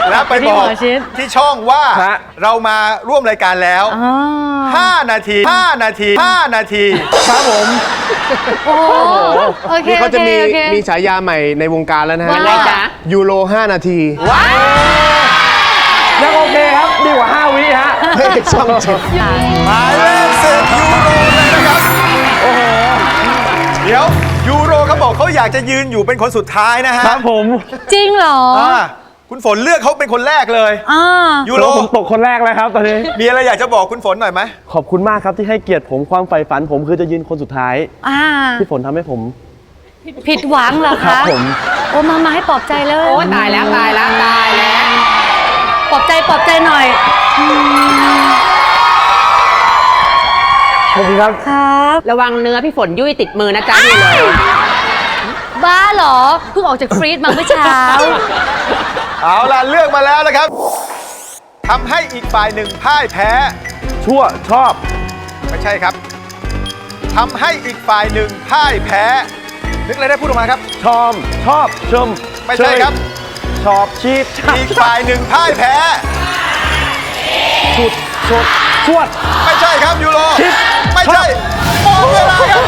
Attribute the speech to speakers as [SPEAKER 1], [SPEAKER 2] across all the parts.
[SPEAKER 1] แล้วไปบอกที่ช่องว่าเรามาร่วมรายการแล้ว5 นาที5 นาที5 นาที
[SPEAKER 2] ครับผม
[SPEAKER 3] นี่เขาจะ
[SPEAKER 2] มีฉายาใหม่ในวงการแล้วนะฮะยูโร5 นาที
[SPEAKER 3] ว้าว
[SPEAKER 2] ยังโอเคครับดีกว่า5 วิฮะช่อง7
[SPEAKER 1] หมายเลข10ยูโรเลยนะครับโอ้โหเดี๋ยวยูโรเขาบอกเขาอยากจะยืนอยู่เป็นคนสุดท้ายนะฮะ
[SPEAKER 2] ครับผม
[SPEAKER 3] จริงเหรอ
[SPEAKER 1] คุณฝนเลือกเขาเป็นคนแรกเลยยูโร
[SPEAKER 2] ผมตกคนแรกแล้วครับตอนนี้
[SPEAKER 1] มีอะไรอยากจะบอกคุณฝนหน่อยไหม
[SPEAKER 2] ขอบคุณมากครับที่ให้เกียรติผมความใฝ่ฝันผมคือจะยืนคนสุดท้ายที่ฝนทำให้ผม
[SPEAKER 3] ผิดหวังเหรอคะ
[SPEAKER 2] ครับผม
[SPEAKER 3] โอ้มาให้ปลอบใจเลย
[SPEAKER 4] โอ้ตายแล้วปล
[SPEAKER 3] อบใจหน่อย
[SPEAKER 2] ขอบคุณครับ
[SPEAKER 4] ระวังเนื้อพี่ฝนยุ่ยติดมือนะจ๊ะนี่เลย
[SPEAKER 3] บ้าเหรอเพิ่งออกจากฟรีซมาเมื่อเช้า
[SPEAKER 1] เอาล่ะเลือกมาแล้วนะครับทำให้อีกฝ่ายหนึ่งพ่ายแพ้
[SPEAKER 2] ชั่วชอบ
[SPEAKER 1] ไม่ใช่ครับทำให้อีกฝ่ายหนึ่งพ่ายแพ้นึกอะไรได้พูดออกมาครับ
[SPEAKER 2] ชอบชม
[SPEAKER 1] ไม่ใช่ครับ
[SPEAKER 2] ชอบชีด
[SPEAKER 1] อีกฝ่ายหนึ่งพ่ายแพ้
[SPEAKER 2] ชุดชวด
[SPEAKER 1] ไม่ใช่ครับยูโรไม่ใช่หมดเวลาครับ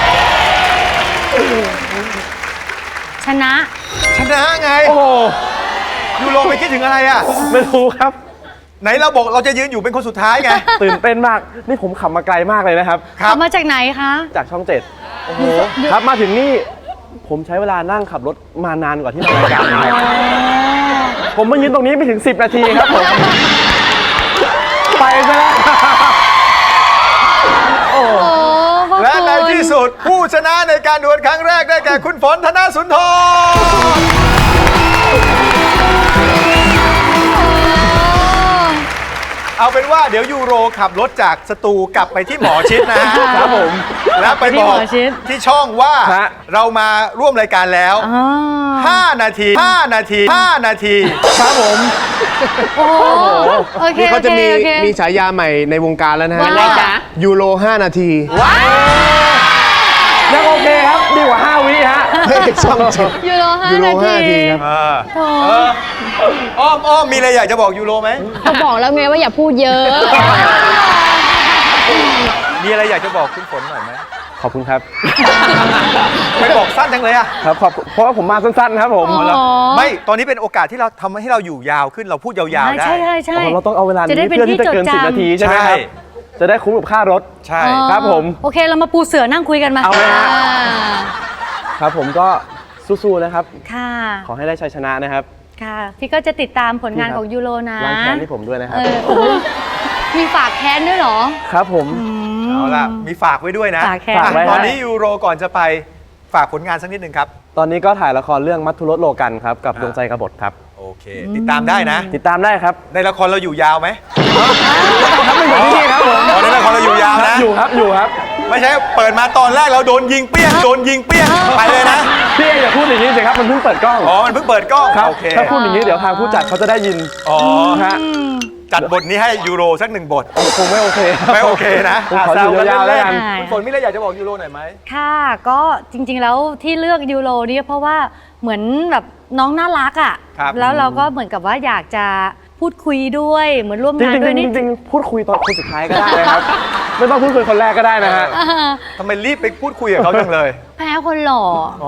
[SPEAKER 3] ชนะ
[SPEAKER 1] ไงโอ้ยูโรไปคิดถึงอะไรอ่ะ
[SPEAKER 2] ไม่รู้ครับ
[SPEAKER 1] ไหนเราบอกเราจะยืนอยู่เป็นคนสุดท้ายไง
[SPEAKER 2] ตื่นเต้นมากนี่ผมขับมาไกลมากเลยนะครับ
[SPEAKER 3] ขับมาจากไหนคะ
[SPEAKER 2] จากช่อง7โอ้โหครับมาถึงนี่ผมใช้เวลานั่งขับรถมานานกว่าที่มารายการผมมายืนตรงนี้ไม่ถึง10 นาทีครับผมไปซะแล้ว
[SPEAKER 1] และในที่สุดผู้ชนะในการดวลครั้งแรกได้แก่คุณฝนธนสุนทรเอาเป็นว่าเดี๋ยวยูโรขับรถจากสตูกลับไปที่หมอชิดนะฮะ
[SPEAKER 2] ครับผม
[SPEAKER 1] แล้วไปบอกที่ช่องว่าเรามาร่วมรายการแล้ว5 นาที5 นาที5 นาที
[SPEAKER 2] ครับผมนี่เขาจะมีฉายาใหม่ในวงการแล้วนะฮะยูโร5 นาทียังโอเคครับดีกว่า5 วิฮะช่อง7
[SPEAKER 3] ยูโร5 นาที
[SPEAKER 2] ครับ
[SPEAKER 1] อ้อมมีอะไรอยากจะบอกยูโรไหม
[SPEAKER 4] เขาบอกแล้วไงว่าอย่าพูดเยอะ
[SPEAKER 1] มีอะไรอยากจะบอกคุณฝนหน่อยไหม
[SPEAKER 2] ขอบคุณครับ
[SPEAKER 1] ไม่บอกสั้นจังเลยอะ
[SPEAKER 2] ครับเพราะว่าผมมาสั้นๆครับผม
[SPEAKER 1] ไม่ตอนนี้เป็นโอกาสที่เราทำให้เราอยู่ยาวขึ้นเราพูดยาวๆได้
[SPEAKER 3] ใช่
[SPEAKER 2] เราต้องเอาเวลานี้เพื่อที่จะเกิน10 นาทีใช่ไหมครับจะได้คุ้มกับค่ารถ
[SPEAKER 1] ใช่
[SPEAKER 2] ครับผม
[SPEAKER 3] โอเคเรามาปูเสือนั่งคุยกันมา
[SPEAKER 2] เอาไหมฮะครับผมก็สู้ๆนะครับ
[SPEAKER 3] ค่ะ
[SPEAKER 2] ขอให้ได้ชัยชนะนะครับ
[SPEAKER 3] ค่ะพี่ก็จะติดตามผลงานของยูโรนะ
[SPEAKER 2] ล้างแค้นให้ผมด้วยนะครับ
[SPEAKER 3] มีฝากแค้นด้วยเหรอ
[SPEAKER 2] ครับผม
[SPEAKER 1] เอาล่ะมีฝากไว้ด้วยนะตอนนี้ยูโรก่อนจะไปฝากผลงานสักนิดหนึ่งครับ
[SPEAKER 2] ตอนนี้ก็ถ่ายละครเรื่องมัทธุรสโลกันครับกับดวงใจกบฏครับ
[SPEAKER 1] โอเคติดตามได้นะ
[SPEAKER 2] ติดตามได้ครับ
[SPEAKER 1] ในละครเราอยู่ยาวไหม
[SPEAKER 2] ครับไม่เหมือนที่นี่ครับผม
[SPEAKER 1] ในละครเราอยู่ยาวนะ
[SPEAKER 2] อยู่ครับ
[SPEAKER 1] ไม่ใช่เปิดมาตอนแรกเราโดนยิงเปี้ยงไปเลยนะ
[SPEAKER 2] พี่อย่าพูดอย่างนี้สิครับมันเพิ่งเปิดกล้อง
[SPEAKER 1] มันเพิ่งเปิดกล้องโอเค
[SPEAKER 2] ถ้าพูดอย่างนี้เดี๋ยวทางผู้จัดเขาจะได้ยินฮะ
[SPEAKER 1] จัดบทนี้ให้ยูโรสัก1 บท
[SPEAKER 2] คงไม่โอเค
[SPEAKER 1] นะ
[SPEAKER 2] ขออยู่ยาวๆแล้วกัน
[SPEAKER 1] คุณฝนมีอะไรอยากจะบอกยูโรหน่อยไหม
[SPEAKER 3] ค่ะก็จริงๆแล้วที่เลือกยูโรนี่เพราะว่าเหมือนแบบน้องน่ารักอ่ะแล้วเราก็เหมือนกับว่าอยากจะพูดคุยด้วยเหมือนร่วมงานด้วยนี่
[SPEAKER 2] จริงๆพูดคุยตอนคนสุดท้ายก็ได้นะครับไม่ต้องพูดคุยคนแรกก็ได้นะฮะ
[SPEAKER 1] ทำไมรีบไปพูดคุยกับเขาจังเลย
[SPEAKER 3] แพ้คนหล่อ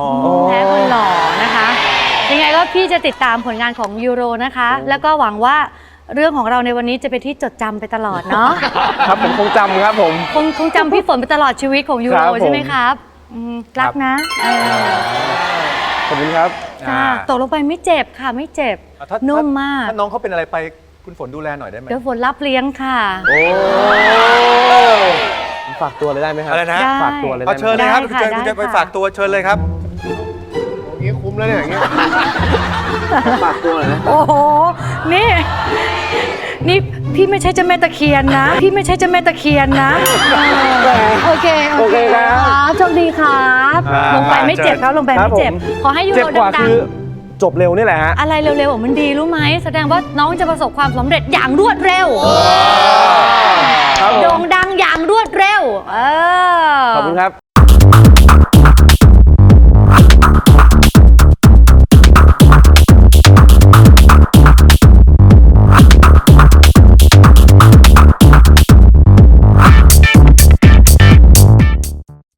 [SPEAKER 3] นะคะยังไงก็พี่จะติดตามผลงานของยูโรนะคะแล้วก็หวังว่าเรื่องของเราในวันนี้จะเป็นที่จดจำไปตลอดเนาะ
[SPEAKER 2] ครับผมคงจำครับผม
[SPEAKER 3] คงจำพี่ฝนไปตลอดชีวิตของยูโรใช่ไหมครับรักนะ
[SPEAKER 2] ขอบคุณครับ
[SPEAKER 3] ตกลงไปไม่เจ็บค่ะไม่เจ็บนุ่มมาก
[SPEAKER 1] ถ้าน้องเขาเป็นอะไรไปคุณฝนดูแลหน่อยได้ไหม
[SPEAKER 3] เดี๋ยวฝนรับเลี้ยงค่ะ
[SPEAKER 2] ฝากตัวเลยได้ไหมครับ
[SPEAKER 1] อะไรนะ
[SPEAKER 2] ฝากตัวเลย
[SPEAKER 1] เชิญเลยครับคุณจะไปฝากตัวเชิญเลยครับ
[SPEAKER 2] อย่างนี้คุ้มแล้วเนี่ยอย่างนี้ฝากตัวเลยนะ
[SPEAKER 3] โอ้โหนี่พี่ไม่ใช่เจ้าแม่ตะเคียนนะโอเคครับโชคดีครับลงไปไม่เจ็บครับลงไปไม่เจ็บขอให้ยูโรดัง
[SPEAKER 2] จบเร็วนี่แหละฮะ
[SPEAKER 3] อะไรเร็วๆมันดีรู้ไหมแสดงว่าน้องจะประสบความสำเร็จอย่างรวดเร็วโด่งดังอย่างรวดเร็ว
[SPEAKER 2] ขอบคุณครับ